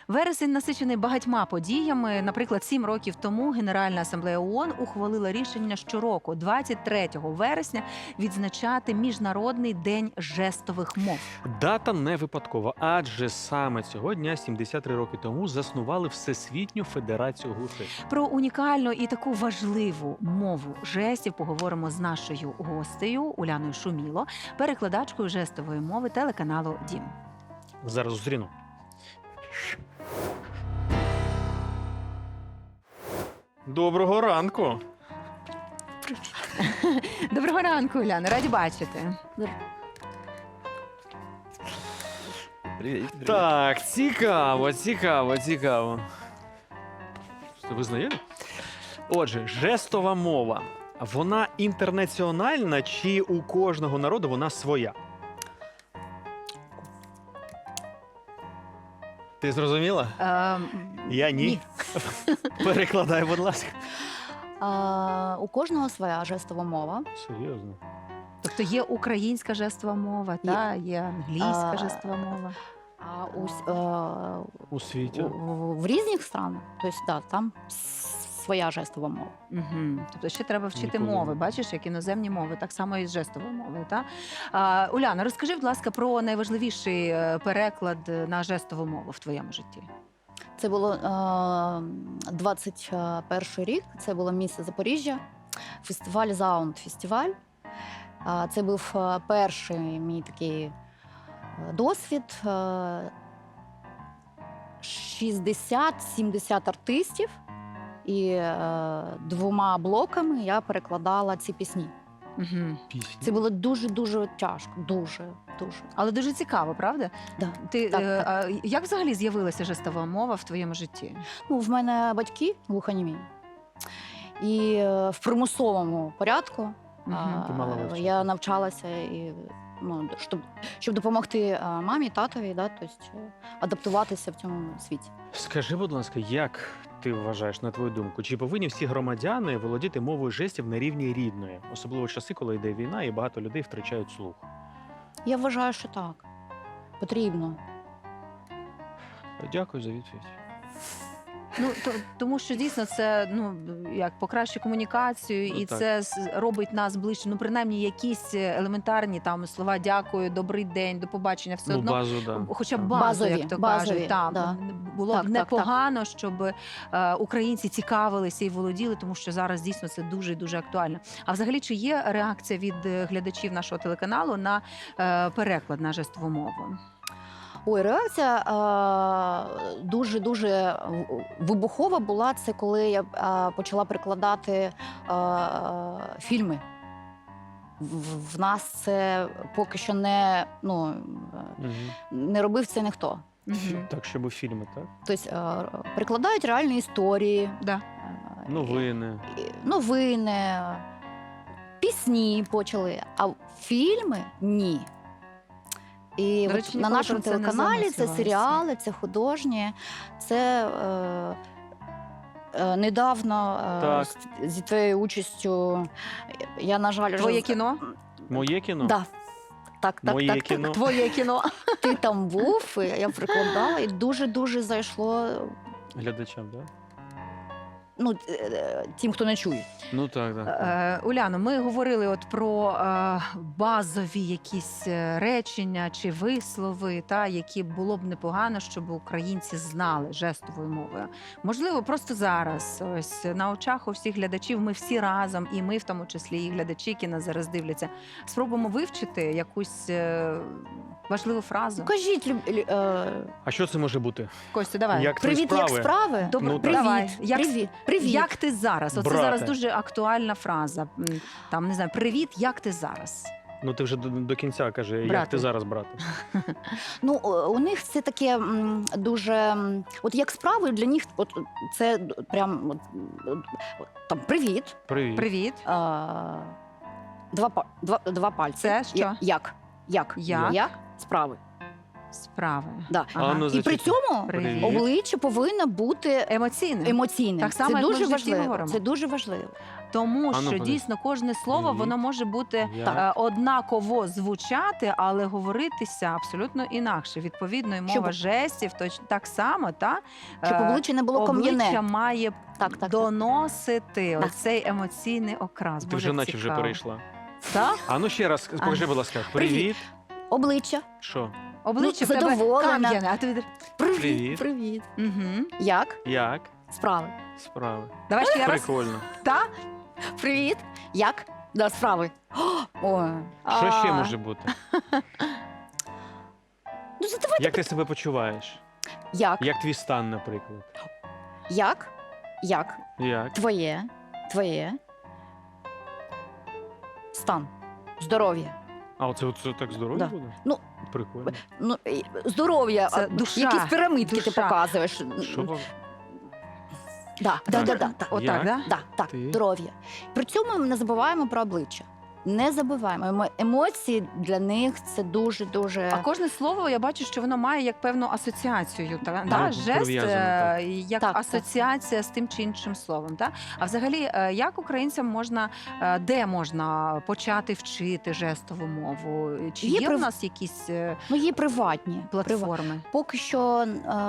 Вересень насичений багатьма подіями. Наприклад, 7 років тому Генеральна асамблея ООН ухвалила рішення щороку, 23 вересня, відзначати Міжнародний день жестових мов. Дата не випадкова, адже саме цього дня, 73 роки тому, заснували Всесвітню Федерацію глухих. Про унікальну і таку важливу мову жестів поговоримо з нашою гостею Уляною Шуміло, перекладачкою жестової мови телеканалу «Дім». Зараз зустріну. Доброго ранку! Доброго ранку, Уляна, раді бачити. Привіт. Так, цікаво. Ви знайомі? Отже, жестова мова. Вона інтернаціональна чи у кожного народу вона своя? Ти зрозуміла? Я ні. ні. Перекладай, будь ласка. У кожного своя жестова мова. Серйозно? Тобто є українська жестова мова, та є англійська А, жестова мова. А У світі? в різних странах, тобто, там своя жестова мова. Угу. Тобто ще треба вчити Ніколи мови, не бачиш, як іноземні мови, так само і з жестовою мовою. Та? Уляна, розкажи, будь ласка, про найважливіший переклад на жестову мову в твоєму житті. Це було 21 рік, це було місто Запоріжжя, фестиваль «Заунд-фестиваль». Це був перший мій такий досвід. 60-70 артистів, і 2 блоками я перекладала ці пісні. Угу. Пісні. Це було дуже-дуже тяжко, дуже. Але дуже цікаво, правда? Да. Ти, Так. Як взагалі з'явилася жестова мова в твоєму житті? Ну, в мене батьки глухонімі. І в примусовому порядку Мгм. Ти мала вивчити. я навчалася, і, щоб допомогти мамі, татові, тобто, адаптуватися в цьому світі. Скажи, будь ласка, як ти вважаєш, на твою думку, чи повинні всі громадяни володіти мовою жестів на рівні рідної? Особливо в часи, коли йде війна і багато людей втрачають слух. Я вважаю, що так. Потрібно. Дякую за відповідь. Тому що дійсно це як покращує комунікацію, і так. це робить нас ближче. Принаймні якісь елементарні там слова «дякую», «добрий день», «до побачення», все одно. Базу, да. Хоча б Так. базу, Базові, як то базові, кажуть, там да. було Так, б так, непогано, щоб українці цікавилися і володіли, тому що зараз дійсно це дуже і дуже актуально. А взагалі, чи є реакція від глядачів нашого телеканалу на переклад на жестову мову? Ой, реакція дуже-дуже вибухова була. Це коли я почала перекладати фільми. В нас це поки що не робив це ніхто. Мгм. Так, щоб у фільми, так? Тобто перекладають реальні історії, Да. новини, пісні почали, а фільми – ні. І До от речі, на ніколи нашому про це не телеканалі це замислювалася. серіали, це художні, це недавно Так. зі твоєю участю я, на жаль, Твоє кіно? Моє кіно? Да. Так, Моє кіно? Твоє кіно. Ти там був, і я перекладала, і дуже-дуже зайшло Глядачам, так? тим, хто не чує. Ну так, так. Уляно, ми говорили от про базові якісь речення чи вислови, які було б непогано, щоб українці знали жестовою мовою. Можливо, просто зараз, ось на очах у всіх глядачів, ми всі разом, і ми в тому числі, і глядачі, які нас зараз дивляться, спробуємо вивчити якусь важливу фразу. Кажіть, А що це може бути? Костя, давай. Як твої привіт, як справи? справи? Добре, Ну, так. давай. Привіт. Як ти зараз? Оце Брате. зараз дуже актуальна фраза. Там, не знаю, привіт, як ти зараз? Ну ти вже до кінця кажи, як Брате. ти зараз, брате? У них це таке дуже. От як справи для них, це прям там привіт. Привіт. Привіт. Два пальці. Це що? Як? Як? Справи. Справи. Да. А, ну, І при цьому Привіт. обличчя повинно бути Емоційне. емоційним. Так само, це як ми дуже в житті важливо. говоримо. Це дуже важливо. Тому А ну, що подивись. дійсно кожне слово Привіт. воно може бути Як? однаково звучати, але говоритися абсолютно інакше. Відповідно, і мова Щоб- жестів так само, та Щоб обличчя не було обличчя кам'яне. має Так. доносити Да. оцей емоційний окрас. Ти Боже, вже як наче вже цікаво. перейшла. Так? А ну ще раз, покажи, будь ласка. Привіт. Обличчя. Що? Обличчя Ну, в тебе задоволена. кам'яне, а ти Привіт. Привіт. угу. Як? Як? Справи. Справи. Давай ще раз. Прикольно. Та? Привіт. Як? Да, справи. Ой. Що ще А, може бути? Ну, задавай. Як ти себе почуваєш? Як? Як твій стан, наприклад? Як? Як? Як? Твоє. Стан. Здоров'я. А оце так здоров'я Да. буде? Ну, Прикольно. Ну, здоров'я. Це а, душа. Якісь пірамидки ти Душа. показуєш. Що вам? Да. Отак, Як? да? Да, так, Ти? здоров'я. При цьому ми не забуваємо про обличчя. Не забуваємо. Емоції для них це дуже-дуже. А кожне слово я бачу, що воно має як певну асоціацію. Так, Жест прив'язано, так. як Так, так. асоціація з тим чи іншим словом. Та? А взагалі, як українцям можна, де можна почати вчити жестову мову? Чи Є є в нас якісь Ну, є приватні. платформи? Поки що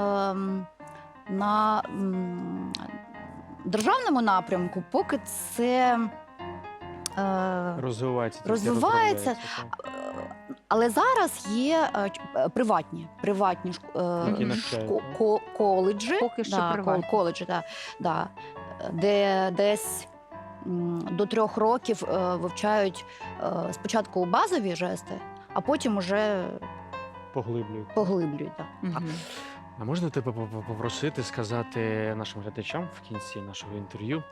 на державному напрямку, поки це. Розвивається. тільки Розвивається. розробляється, так. Але зараз є приватні Які навчають, коледжі, Поки що приватні. коледжі, да, де десь до 3 років вивчають спочатку базові жести, а потім уже Поглиблюють. поглиблюють. Да. Мгм. А можна тебе попросити сказати нашим глядачам в кінці нашого інтерв'ю?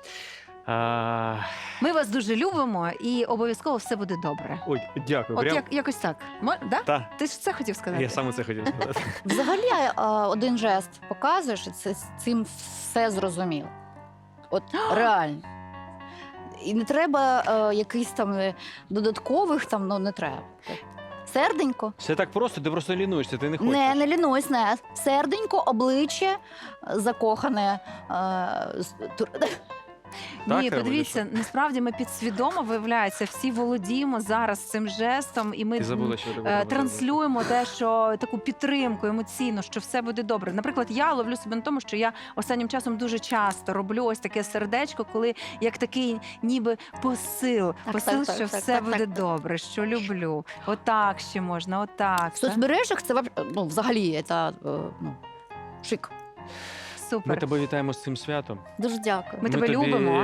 Ми вас дуже любимо і обов'язково все буде добре. Ой, дякую. От Прям... якось так. Да? Та, Ти ж це хотів сказати? я саме це хотів сказати. Взагалі один жест показуєш, і це з цим все зрозуміло. От реально. І не треба якихось там додаткових, там, ну не треба. Серденько. Все так просто, ти просто лінуєшся, ти не хочеш. Не лінусь, не. Серденько, обличчя закохане. Так, Ні, Равиль, подивіться, насправді ми підсвідомо, виявляється, всі володіємо зараз цим жестом, і ми Ти забула, що ти говорила. транслюємо те, що таку підтримку емоційну, що все буде добре. Наприклад, я ловлю себе на тому, що я останнім часом дуже часто роблю ось таке сердечко, коли як такий ніби посил, Так, так, що так, все так, буде так. добре, що люблю. Отак ще можна, отак. В соцмережах це взагалі це, шик. Ми Супер. тебе вітаємо з цим святом. Дуже дякую. Ми тебе тобі- любимо.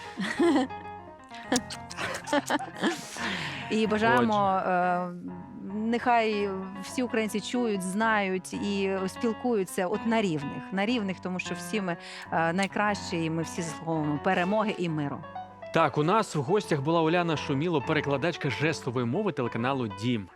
І бажаємо, нехай всі українці чують, знають і спілкуються от на рівних, тому що всі ми найкращі, і ми всі заслуговуємо перемоги і миру. Так, у нас в гостях була Уляна Шуміло, перекладачка жестової мови телеканалу Дім.